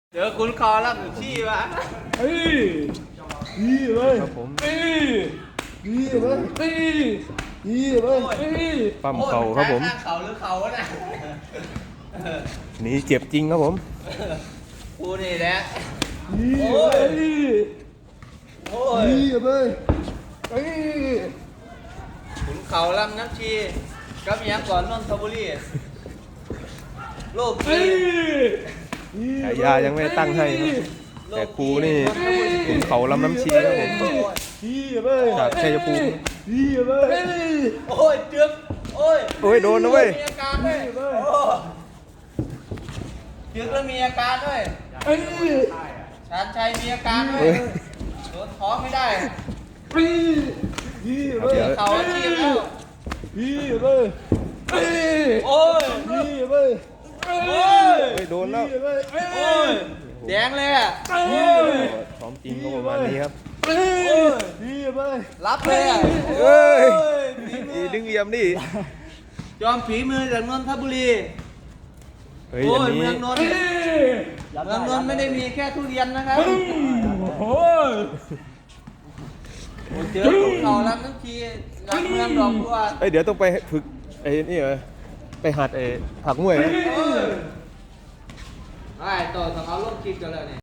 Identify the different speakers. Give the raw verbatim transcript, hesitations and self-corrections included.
Speaker 1: เจอคุณคอรับหนึ่งที่วะ
Speaker 2: เฮ้ยนี่เลย
Speaker 3: ครับผม
Speaker 2: นี่นี่เลยนี่นี่เลยนี่
Speaker 3: ปั้มเข่าครับผม
Speaker 1: ข้างเข่าหรือเข่าวะน่ะ
Speaker 3: หนีเจ็บจริงครับผม
Speaker 1: กูนี่แหละ
Speaker 2: นี่
Speaker 1: โอ้
Speaker 2: เลย ย
Speaker 1: โอ้ย
Speaker 2: นี่เลยเฮ้ย
Speaker 1: ขุนเขาลำน้ำชีกับหยังก่อนนนทบุรีโลก
Speaker 2: เฮ้
Speaker 1: นี้
Speaker 2: ย
Speaker 3: ฉายายังไม่ได้ตั้งให้ครับแต่ครูนี่ขุนเขาลำน้ำชีครับผม
Speaker 2: นี่เลย
Speaker 3: จากชัยภูมิ
Speaker 2: นี่เลย
Speaker 1: โอ้ยจึ๊บโอ้ย
Speaker 3: โอ้ยโดนนะเว้ย
Speaker 1: มีอาการด้วยโอ้จึ๊บแล้วมีอาการด้วย
Speaker 2: เฮ้ย
Speaker 1: ชาญชัยมีอาการด้วย
Speaker 3: เฮ้ย
Speaker 1: โดนท้องไม่ได้
Speaker 2: นี่นี่เลย
Speaker 1: เขาอาชีพแล้ว
Speaker 2: นี่เลยเฮ้ย
Speaker 1: โอ้ย
Speaker 2: นี่เลย
Speaker 1: โอ้ย
Speaker 3: โอ้ยโดนแล้ว
Speaker 2: นี่เลยเฮ้ย
Speaker 1: โอ้ยแดงเลยอ่ะ
Speaker 2: เฮ้ย
Speaker 3: ซ้อมจริงก็ประมาณนี้ครับ
Speaker 2: เฮ้ยนี่เลย
Speaker 1: รับเลยอ่ะ
Speaker 3: เอ้ย
Speaker 1: ฝีมื
Speaker 3: อี
Speaker 1: อ
Speaker 3: ดึงเยี่ยมดิ
Speaker 1: จอมฝีมือจากนนทบุรี
Speaker 3: เฮ้ย
Speaker 1: โอ้
Speaker 3: อัน
Speaker 1: ย
Speaker 3: นี้
Speaker 1: เมืองนนท์
Speaker 2: เฮ้ย
Speaker 1: เมืองนนท์ไม่ได้มีแค่ทุเรียนนะครับ
Speaker 2: โอ้ย
Speaker 1: เจอภูเขาลำทั้งทีลำเมืองดอกบัว
Speaker 3: เอ้ยเดี๋ยวต้องไปฝึกไอ้นี่เหรอไปหัดไอ้ผักมวยนะ
Speaker 1: ไอ้ต่อต้องเอาลงคลิปกันแล้วเนี่ย